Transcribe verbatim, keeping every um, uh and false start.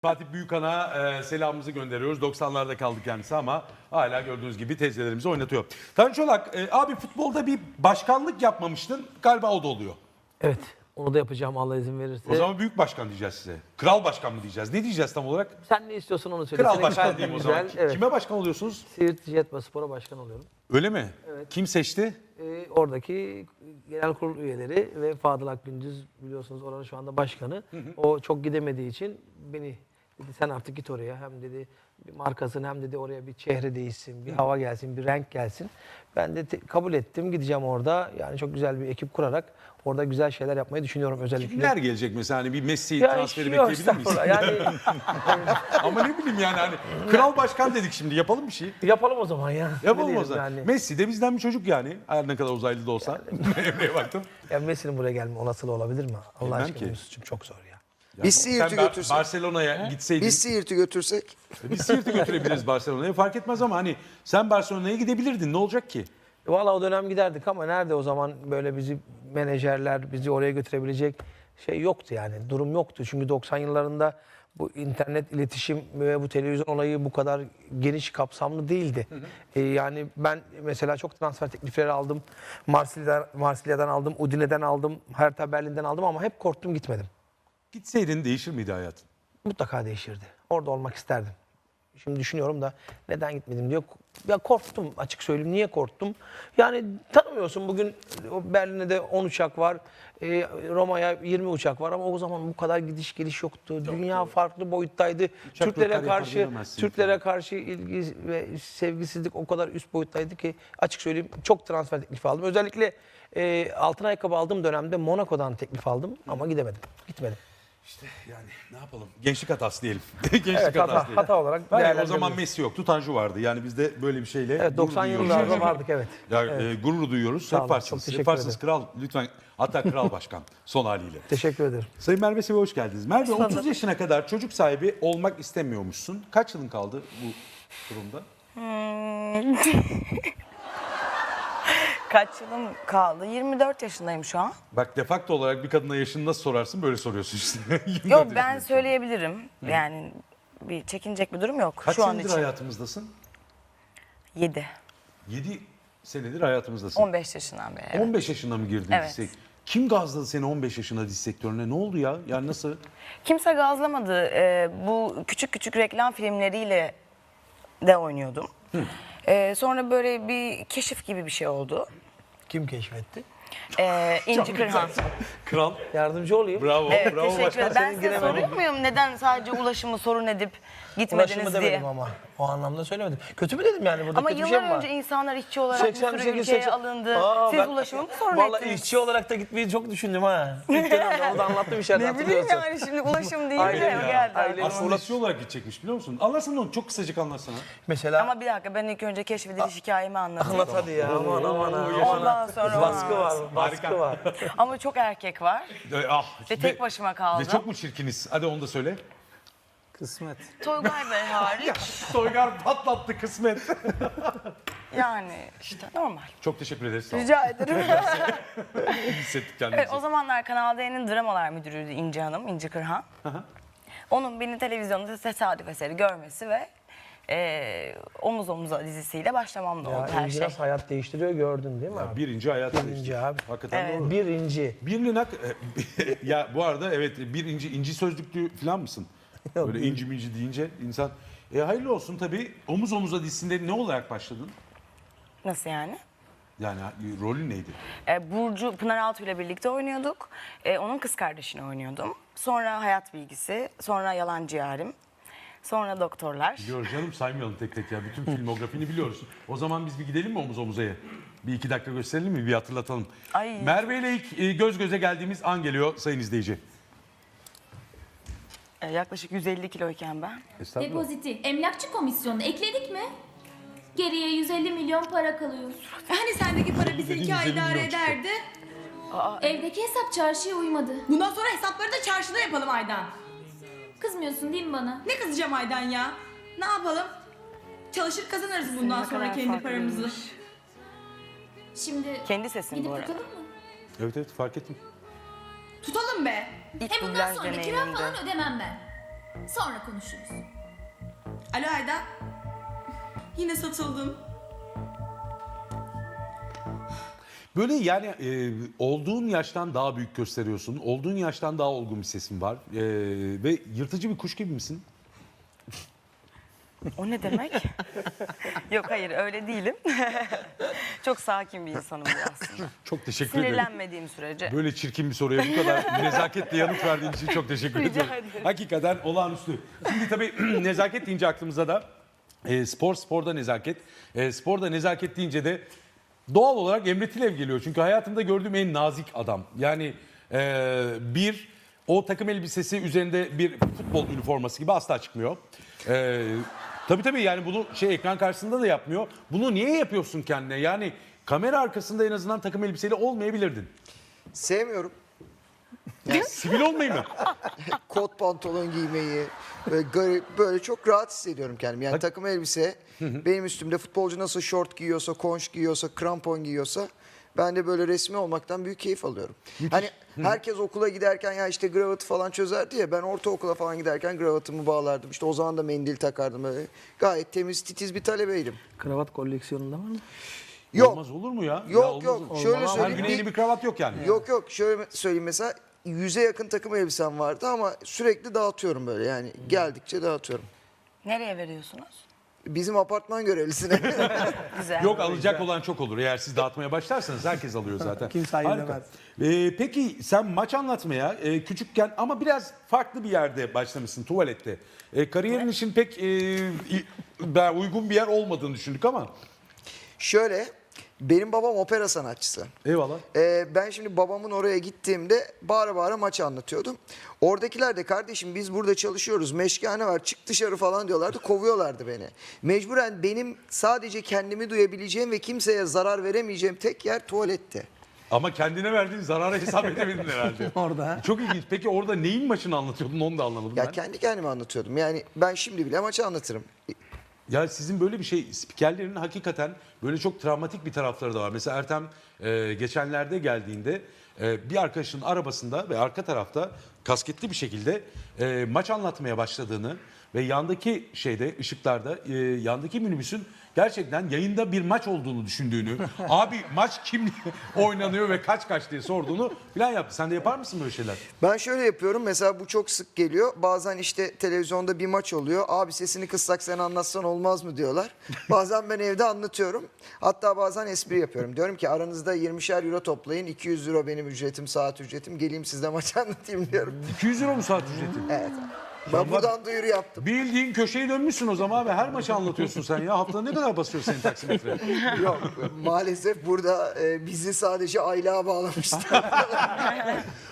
Fatih Büyükan'a e, selamımızı gönderiyoruz. doksanlarda kaldı kendisi ama hala gördüğünüz gibi teyzelerimizi oynatıyor. Tanju Çolak, e, abi futbolda bir başkanlık yapmamıştın. Galiba o da oluyor. Evet. Onu da yapacağım Allah izin verirse. O zaman büyük başkan diyeceğiz size. Kral başkan mı diyeceğiz? Ne diyeceğiz tam olarak? Sen ne istiyorsan onu söyle. Kral Senin başkan kalbin diyeyim o güzel. zaman. Evet. Kime başkan oluyorsunuz? Siirt Jetba Spor'a başkan oluyorum. Öyle mi? Evet. Kim seçti? Ee, oradaki genel kurul üyeleri ve Fadıl Akgündüz biliyorsunuz oranın şu anda başkanı. Hı hı. O çok gidemediği için beni dedi sen artık git oraya. Hem dedi bir markasını hem dedi oraya bir çehre değişsin, bir hava gelsin, bir renk gelsin. Ben de te- kabul ettim. Gideceğim orada. Yani çok güzel bir ekip kurarak orada güzel şeyler yapmayı düşünüyorum özellikle. Kimler gelecek mesela? Hani bir Messi Ya transferi yok, bekleyebilir miyiz? estağfurullah. Yani Ama ne bileyim yani hani kral başkan dedik şimdi yapalım bir şey. yapalım o zaman ya. Ne Yapalım o diyelim zaman. yani. Messi de bizden bir çocuk yani. Her ne kadar uzaylı da olsa. Emre'ye baktım. Ya Messi'nin buraya gelme olasılığı olabilir mi? Allah Bilmem aşkına ki. Yunus'cum çok zor ya. Yani Biz Siirt'i sen Bar- götürsek. Barcelona'ya gitseydin. Biz Siirt'i götürsek. Biz Siirt'i götürebiliriz Barcelona'ya. Fark etmez ama hani sen Barcelona'ya gidebilirdin. Ne olacak ki? Valla o dönem giderdik ama nerede o zaman böyle bizi menajerler bizi oraya götürebilecek şey yoktu yani. Durum yoktu. Çünkü doksan yıllarında bu internet iletişim ve bu televizyon olayı bu kadar geniş kapsamlı değildi. Hı hı. Ee, yani ben mesela çok transfer teklifleri aldım. Marsilya'dan, Marsilya'dan aldım, Udine'den aldım, Hertha Berlin'den aldım ama hep korktum gitmedim. Gitseydin değişir miydi hayatın? Mutlaka değişirdi. Orada olmak isterdim. Şimdi düşünüyorum da neden gitmedim diyor. Ya korktum açık söyleyeyim. Niye korktum? Yani tanımıyorsun bugün o Berlin'de de on uçak var. E, Roma'ya yirmi uçak var ama o zaman bu kadar gidiş geliş yoktu. Yok, Dünya doğru. farklı boyuttaydı. Uçak Türklere karşı Türklere falan. karşı ilgi ve sevgisizlik o kadar üst boyuttaydı ki açık söyleyeyim çok transfer teklifi aldım. Özellikle e, altın ayakkabı aldığım dönemde Monaco'dan teklif aldım ama gidemedim. Gitmedim. İşte yani ne yapalım? Gençlik hatası diyelim. Gençlik Evet, hatası hata, diyelim. hata olarak Hayır, o değerlendirebiliriz. zaman Messi yoktu, Tanju vardı. Yani biz de böyle bir şeyle Evet, doksan gurur duyuyoruz. yıllarda vardık evet. Ya, Evet. e, gurur duyuyoruz. Sağ olun, Yaparsınız. çok teşekkür Yaparsınız ederim. kral. Lütfen. Hatta kral başkan son haliyle. Teşekkür ederim. Sayın Merve Sevi hoş geldiniz. Merve bulduk. otuz yaşına kadar çocuk sahibi olmak istemiyormuşsun. Kaç yılın kaldı bu durumda? Hmm. Kaç yılım kaldı? yirmi dört yaşındayım şu an. Bak defakto olarak bir kadına yaşını nasıl sorarsın böyle soruyorsun işte. yirmi dört Yok ben yaşındasın. söyleyebilirim. Yani bir çekinecek bir durum yok Kaç şu an senedir için. hayatımızdasın? yedi. yedi senedir hayatımızdasın. on beş yaşından beri. Evet. on beş yaşında mı girdin Evet. dizi sektörüne? Kim gazladı seni on beş yaşında dizi sektörüne? Ne oldu ya? Yani nasıl? Kimse gazlamadı. Ee, bu küçük küçük reklam filmleriyle de oynuyordum. Ee, sonra böyle bir keşif gibi bir şey oldu. Kim keşfetti? Ee, İnci Kırhan. Kral. Yardımcı olayım. Bravo. Evet, bravo teşekkür başkan. ederim. Ben Senin size giremedim. soruyor muyum neden sadece ulaşımı sorun edip Ulaşımı gitmediniz demedim diye? ama. O anlamda söylemedim. Kötü mü dedim yani? Burada Ama kötü bir şey yıllar mi var? önce insanlar işçi olarak bir sürü ülkeye seksen alındı. Aa, Siz ben- ulaşımı mı sorun Vallahi ettiniz? işçi olarak da gitmeyi çok düşündüm ha. İlk dönemde onu da anlattım içeride Ne bileyim hatırlıyorsun. yani şimdi ulaşım değil Aynen de ya. o geldi. Aynen. Aslında işçi olarak gidecekmiş biliyor musun? Anlatsana onu çok kısacık anlatsana. Mesela Ama bir dakika ben ilk önce keşfediliş hikayemi anlatayım. anlat hadi ya. Aman aman aman. Ondan sonra Baskı var, baskı var. Ama çok erkek var. Ee, ah, Ve tek başıma kaldım. Ve çok mu çirkiniz? Hadi onu da söyle. Kısmet. Toygay Bey hariç. Soygar patlattı kısmet. Yani işte normal. Çok teşekkür ederiz. Sağ olun. Rica ederim. İyi hissettik kendimizi. Evet, o zamanlar Kanal D'nin dramalar müdürüydü İnci Hanım, İnci Kırhan. Onun beni televizyonda tesadüf eseri görmesi ve e, Omuz Omuza dizisiyle başlamam da Ya oldu her İnci şey. nasıl hayat değiştiriyor gördün değil mi abi? Birinci hayatı Birinci değişti. abi. Hakikaten Evet. doğru. Birinci. Bir linak, ya bu arada evet bir inci, inci sözlüklü falan mısın? Yok, Böyle değil. inci minci deyince insan. E, hayırlı olsun tabii. Omuz Omuza dizisinde ne olarak başladın? Nasıl yani? Yani rolün neydi? E, Burcu Pınar Altuğ ile birlikte oynuyorduk. E, onun kız kardeşini oynuyordum. Sonra Hayat Bilgisi, sonra Yalancı Yarim, sonra Doktorlar. Biliyoruz canım saymayalım tek tek ya. Bütün filmografini biliyoruz. O zaman biz bir gidelim mi Omuz Omuza'ya? Bir iki dakika gösterelim mi? Bir hatırlatalım. Ay. Merve ile ilk e, göz göze geldiğimiz an geliyor sayın izleyici. E, yaklaşık yüz elli kiloyken ben. Estağfurullah. Depoziti, emlakçı komisyonunu ekledik mi? Geriye yüz elli milyon para kalıyor. Hani sendeki para bizi iki ay idare ederdi? Evdeki hesap çarşıya uymadı. Bundan sonra hesapları da çarşıda yapalım Aydan. Kızmıyorsun değil mi bana? Ne kızacağım Aydan ya? Ne yapalım? Çalışır kazanırız bundan Ne sonra kadar kendi paramızı. farklıymış. Şimdi Kendi sesin gidip bu arada. tutalım mı? Evet evet fark ettim. Tutalım be. İlk Hem bundan dublaj sonra kira deneyimimdi. falan ödemem ben. Sonra konuşuruz. Alo Ayda. Yine satıldım. Böyle yani e, olduğun yaştan daha büyük gösteriyorsun. Olduğun yaştan daha olgun bir sesin var. E, ve yırtıcı bir kuş gibi misin? O ne demek? Yok hayır öyle değilim. Çok sakin bir insanım aslında. Çok teşekkür ederim. Sinirlenmediğim sürece. Böyle çirkin bir soruya bu kadar nezaketle yanıt verdiğin için çok teşekkür Rica ediyorum. ederim. Hakikaten olağanüstü. Şimdi tabii nezaket deyince aklımıza da e, spor, sporda nezaket. E, sporda nezaket deyince de doğal olarak Emre Tilev geliyor. Çünkü hayatımda gördüğüm en nazik adam. Yani e, bir, o takım elbisesi üzerinde bir futbol üniforması gibi asla çıkmıyor. E, tabii tabii yani bunu şey ekran karşısında da yapmıyor. Bunu niye yapıyorsun kendine? Yani kamera arkasında en azından takım elbiseyle olmayabilirdin. Sevmiyorum. Sivil olmayı mı? Kot pantolon giymeyi, böyle garip, böyle çok rahat hissediyorum kendimi. Yani Hadi. takım elbise, benim üstümde futbolcu nasıl şort giyiyorsa, konş giyiyorsa, krampon giyiyorsa ben de böyle resmi olmaktan büyük keyif alıyorum. Hani herkes okula giderken ya işte gravatı falan çözerdi ya, ben ortaokula falan giderken gravatımı bağlardım. İşte o zaman da mendil takardım böyle. Gayet temiz, titiz bir talebeydim. Kravat koleksiyonunda var mı? Yok. Olmaz olur mu ya? Yok, Ya olmaz yok. olur. Şöyle Her söyleyeyim, gün bir- yeni bir kravat yok yani. Yok yok, şöyle söyleyeyim, mesela yüze yakın takım elbisem vardı ama sürekli dağıtıyorum böyle, yani geldikçe dağıtıyorum. Nereye veriyorsunuz? Bizim apartman görevlisine. Güzel. Yok alacak olan çok olur. Eğer siz dağıtmaya başlarsanız herkes alıyor zaten. Kimse hayır Harika. demez. Ee, peki sen maç anlatmaya e, küçükken ama biraz farklı bir yerde başlamışsın, tuvalette. E, kariyerin için pek e, i- ben uygun bir yer olmadığını düşündük ama. Şöyle, benim babam opera sanatçısı. Eyvallah. Ee, ben şimdi babamın oraya gittiğimde bağıra bağıra maçı anlatıyordum. Oradakiler de kardeşim biz burada çalışıyoruz, meşgane var, çık dışarı falan diyorlardı, kovuyorlardı beni. Mecburen benim sadece kendimi duyabileceğim ve kimseye zarar veremeyeceğim tek yer tuvaletti. Ama kendine verdiğin zarara hesap edemedin herhalde. Orada. Çok ilginç. Peki orada neyin maçını anlatıyordun onu da anlamadım Ya ben. kendi kendime anlatıyordum. Yani ben şimdi bile maçı anlatırım. Ya sizin böyle bir şey, spikerlerin hakikaten böyle çok travmatik bir tarafları da var. Mesela Ertem e, geçenlerde geldiğinde e, bir arkadaşının arabasında ve arka tarafta kasketli bir şekilde e, maç anlatmaya başladığını ve yandaki şeyde ışıklarda e, yandaki minibüsün gerçekten yayında bir maç olduğunu düşündüğünü, abi maç kim oynanıyor ve kaç kaç diye sorduğunu falan yaptı. Sen de yapar mısın böyle şeyler? Ben şöyle yapıyorum, mesela bu çok sık geliyor. Bazen işte televizyonda bir maç oluyor. Abi sesini kıssak sen anlatsan olmaz mı diyorlar. Bazen ben evde anlatıyorum. Hatta bazen espri yapıyorum. Diyorum ki aranızda yirmişer euro toplayın. iki yüz euro benim ücretim, saat ücretim. Geleyim size maçı anlatayım diyorum. iki yüz euro mu saat ücreti? Evet. Ben buradan duyuru yaptım. Bildiğin köşeyi dönmüşsün o zaman ve her maçı anlatıyorsun sen ya. Haftada ne kadar basıyor senin taksimetre? Yok, maalesef burada e, bizi sadece aylığa bağlamışlar.